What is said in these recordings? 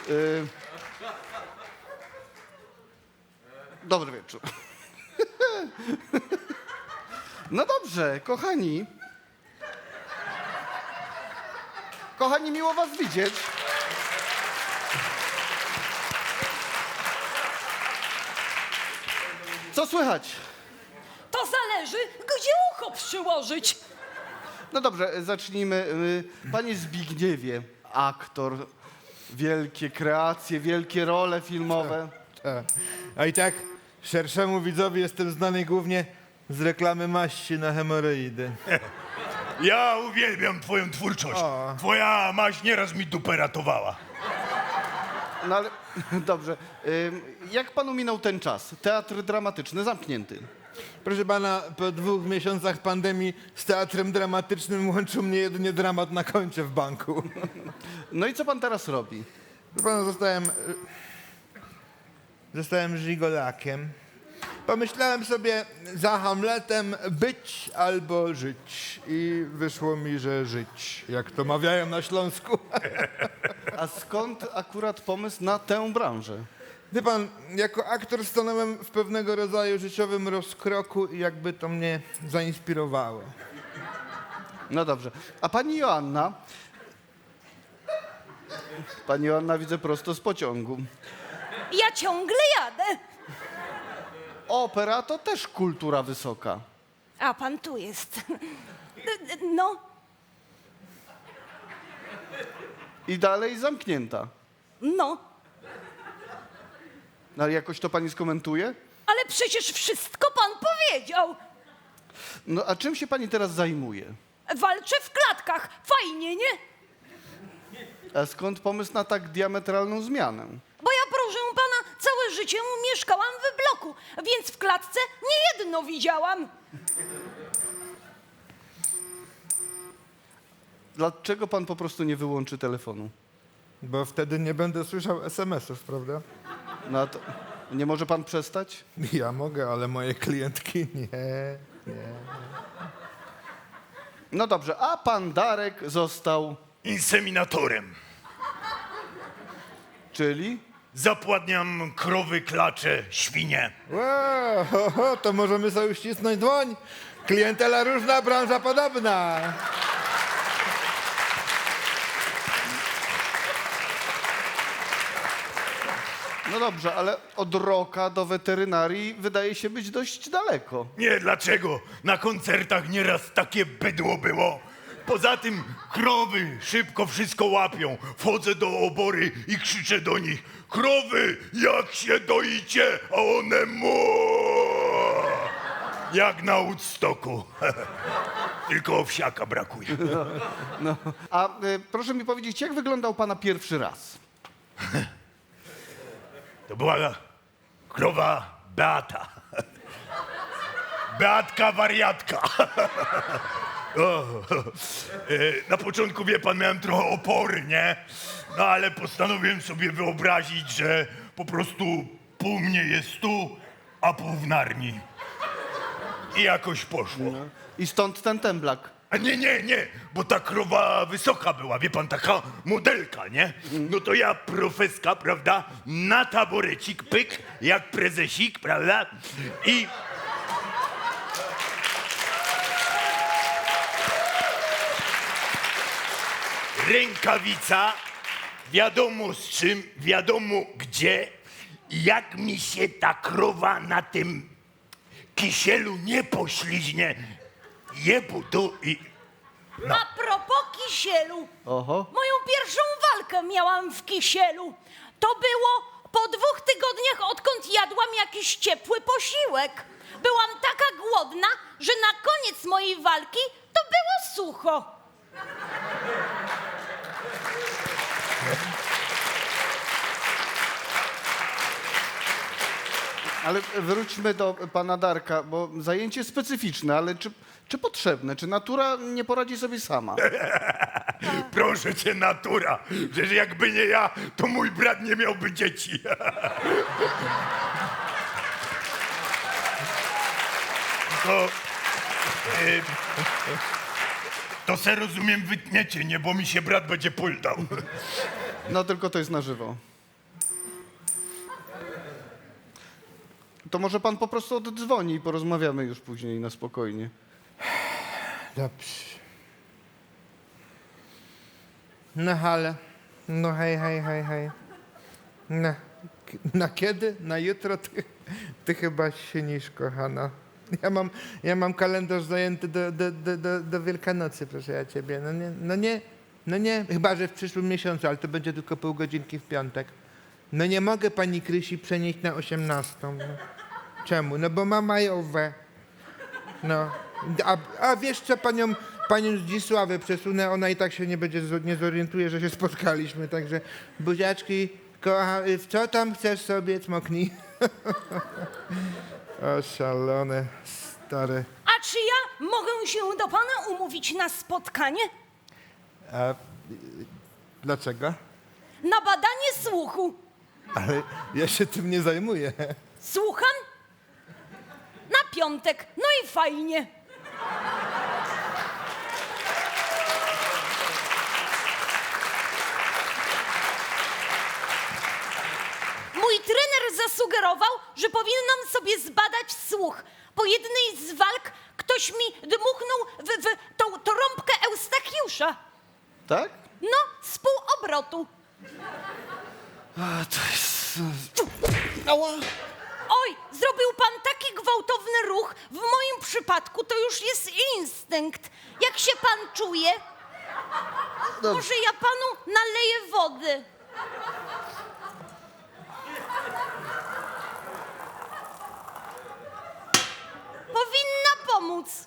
Dobry wieczór. No dobrze, kochani. Kochani, miło was widzieć. Co słychać? To zależy, gdzie ucho przyłożyć. No dobrze, zacznijmy. Panie Zbigniewie, aktor, wielkie kreacje, wielkie role filmowe. A i tak szerszemu widzowi jestem znany głównie z reklamy maści na hemoroidy. Ja uwielbiam twoją twórczość. O. Twoja maść nieraz mi dupę ratowała. No ale dobrze. Jak panu minął ten czas? Teatr dramatyczny zamknięty. Proszę pana, po 2 miesiącach pandemii z teatrem dramatycznym łączył mnie jedynie dramat na koncie w banku. No i co pan teraz robi? Proszę pana, zostałem żigolakiem. Pomyślałem sobie za Hamletem być albo żyć. I wyszło mi, że żyć, jak to mawiają na Śląsku. A skąd akurat pomysł na tę branżę? Wie pan, jako aktor stanąłem w pewnego rodzaju życiowym rozkroku i jakby to mnie zainspirowało. No dobrze. A pani Joanna? Pani Joanna widzę prosto z pociągu. Ja ciągle jadę. Opera to też kultura wysoka. A pan tu jest. No, I dalej zamknięta. no. No ale jakoś to pani skomentuje? Ale przecież wszystko pan powiedział. No a czym się pani teraz zajmuje? Walczę w klatkach. Fajnie, nie? A skąd pomysł na tak diametralną zmianę? Bo ja, proszę pana, całe życie mieszkałam w bloku, więc w klatce niejedno widziałam. Dlaczego pan po prostu nie wyłączy telefonu? Bo wtedy nie będę słyszał SMS-ów, prawda? No a to nie może pan przestać? Ja mogę, ale moje klientki nie. No dobrze, a pan Darek został, Inseminatorem. czyli? Zapładniam krowy, klacze, świnie. Wow, to możemy sobie uścisnąć dłoń. Klientela różna, branża podobna. No dobrze, ale od roka do weterynarii wydaje się być dość daleko. Nie, dlaczego? Na koncertach nieraz takie bydło było. Poza tym krowy szybko wszystko łapią. Wchodzę do obory i krzyczę do nich: krowy, jak się doicie, a one jak na Woodstocku. Tylko owsiaka brakuje. A proszę mi powiedzieć, jak wyglądał pana pierwszy raz? To była krowa Beata. Beatka wariatka. Na początku, wie pan, miałem trochę opory, nie? No ale postanowiłem sobie wyobrazić, że po prostu pół mnie jest tu, a pół w Narni. I jakoś poszło. I stąd ten temblak. A nie, bo ta krowa wysoka była, wie pan, taka modelka, nie? No to ja, profeska, prawda, na taborecik, pyk, jak prezesik, prawda? I... rękawica, wiadomo z czym, wiadomo gdzie. I jak mi się ta krowa na tym kisielu nie pośliźnie, jebu tu i... No. A propos kisielu. Oho. Moją pierwszą walkę miałam w kisielu. To było po 2 tygodniach, odkąd jadłam jakiś ciepły posiłek. Byłam taka głodna, że na koniec mojej walki to było sucho. Ale wróćmy do pana Darka, bo zajęcie specyficzne, ale czy potrzebne? Czy natura nie poradzi sobie sama? Proszę cię, natura, że jakby nie ja, to mój brat nie miałby dzieci. To... to se rozumiem wytniecie, nie? Bo mi się brat będzie puldał. No tylko to jest na żywo. To może pan po prostu oddzwoni i porozmawiamy już później na spokojnie. Dobrze. No halo. No hej, hej, hej, hej. Na kiedy? Na jutro? Ty chyba śnisz, kochana. Ja mam kalendarz zajęty do Wielkanocy, proszę ja ciebie. No nie. Chyba, że w przyszłym miesiącu, ale to będzie tylko pół godzinki w piątek. No nie mogę pani Krysi przenieść na 18. No. Czemu? No bo ma majowe. No. A wiesz co, panią Zdzisławę przesunę, ona i tak się nie zorientuje, że się spotkaliśmy, także buziaczki, w co tam chcesz sobie, cmoknij. O, szalone, stare. A czy ja mogę się do pana umówić na spotkanie? A dlaczego? Na badanie słuchu. Ale ja się tym nie zajmuję. Słucham? Na piątek. No i fajnie. Mój trener zasugerował, że powinnam sobie zbadać słuch. Po jednej z walk ktoś mi dmuchnął w tą rąbkę Eustachiusza. Tak? No, z pół obrotu. A, to jest... Ała! Oj, zrobił pan taki gwałtowny ruch. W moim przypadku to już jest instynkt. Jak się pan czuje? Dobrze. Może ja panu naleję wody? Powinna pomóc.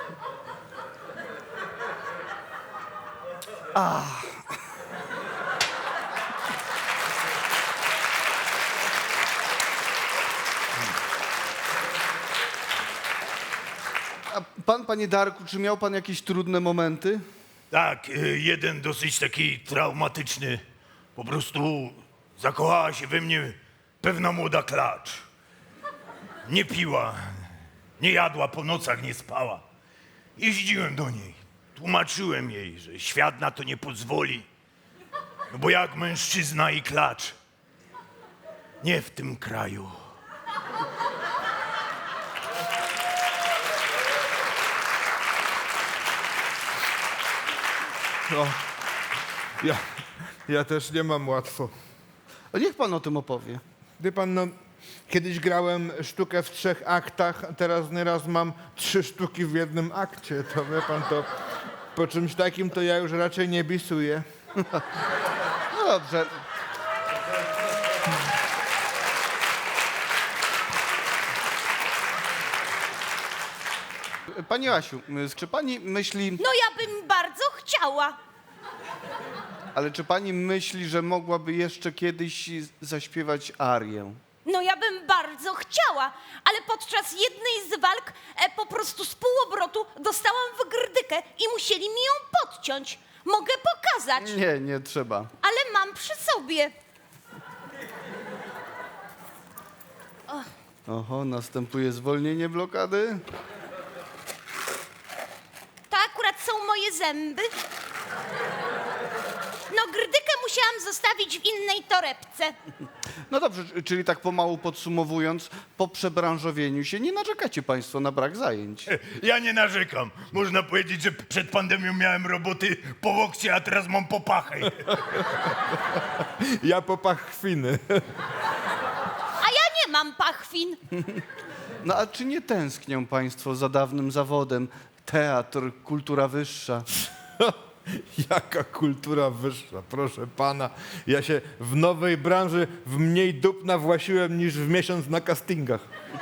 A pan, panie Darku, czy miał pan jakieś trudne momenty? Tak, jeden dosyć taki traumatyczny. Po prostu zakochała się we mnie pewna młoda klacz. Nie piła, nie jadła, po nocach nie spała. Jeździłem do niej, tłumaczyłem jej, że świat na to nie pozwoli. No bo jak mężczyzna i klacz, nie w tym kraju. No, ja też nie mam łatwo. A niech pan o tym opowie. Wie pan, no, kiedyś grałem sztukę w 3 aktach, a teraz nieraz mam 3 sztuki w jednym akcie. To wie pan, to po czymś takim to ja już raczej nie bisuję. No dobrze. Pani Asiu, czy pani myśli, No ja bym bardzo chciała. ale czy pani myśli, że mogłaby jeszcze kiedyś zaśpiewać arię? No ja bym bardzo chciała, ale podczas jednej z walk po prostu z półobrotu dostałam w grdykę i musieli mi ją podciąć. Mogę pokazać, Nie trzeba. ale mam przy sobie. Oho, następuje zwolnienie blokady. To akurat są moje zęby. No grdykę musiałam zostawić w innej torebce. No dobrze, czyli tak pomału podsumowując, po przebranżowieniu się nie narzekacie państwo na brak zajęć. Ja nie narzekam. Można powiedzieć, że przed pandemią miałem roboty po łokcie, a teraz mam po pachę. Ja po pachwiny. A ja nie mam pachwin. No a czy nie tęsknią państwo za dawnym zawodem? Teatr, kultura wyższa. Jaka kultura wyższa, proszę pana. Ja się w nowej branży w mniej dup nawłasiłem niż w miesiąc na castingach.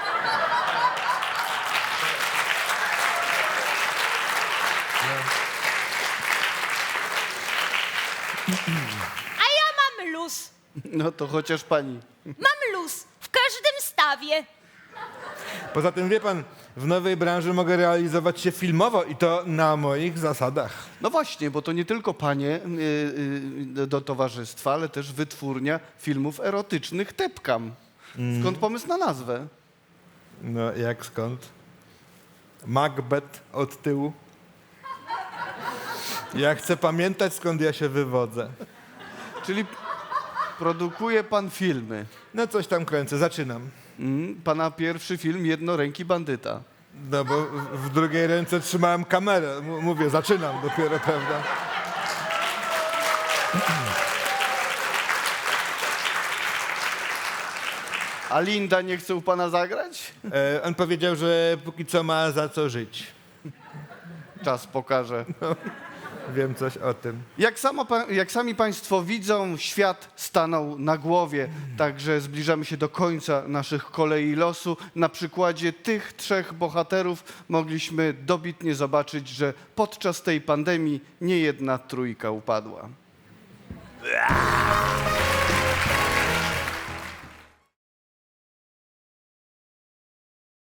A ja mam luz. No to chociaż pani. Mam luz w każdym stawie. Poza tym, wie pan, w nowej branży mogę realizować się filmowo i to na moich zasadach. No właśnie, bo to nie tylko panie do towarzystwa, ale też wytwórnia filmów erotycznych Tepkam. Skąd pomysł na nazwę? No, jak skąd? Macbeth od tyłu. Ja chcę pamiętać, skąd ja się wywodzę. Czyli produkuje pan filmy. No, coś tam kręcę, zaczynam. Pana pierwszy film Jednoręki bandyta. No bo w drugiej ręce trzymałem kamerę. Mówię, zaczynam dopiero, prawda? A Linda nie chce u pana zagrać? On powiedział, że póki co ma za co żyć. Czas pokaże. Wiem coś o tym. Jak sami państwo widzą, świat stanął na głowie, także zbliżamy się do końca naszych kolei losu. Na przykładzie tych trzech bohaterów mogliśmy dobitnie zobaczyć, że podczas tej pandemii niejedna trójka upadła.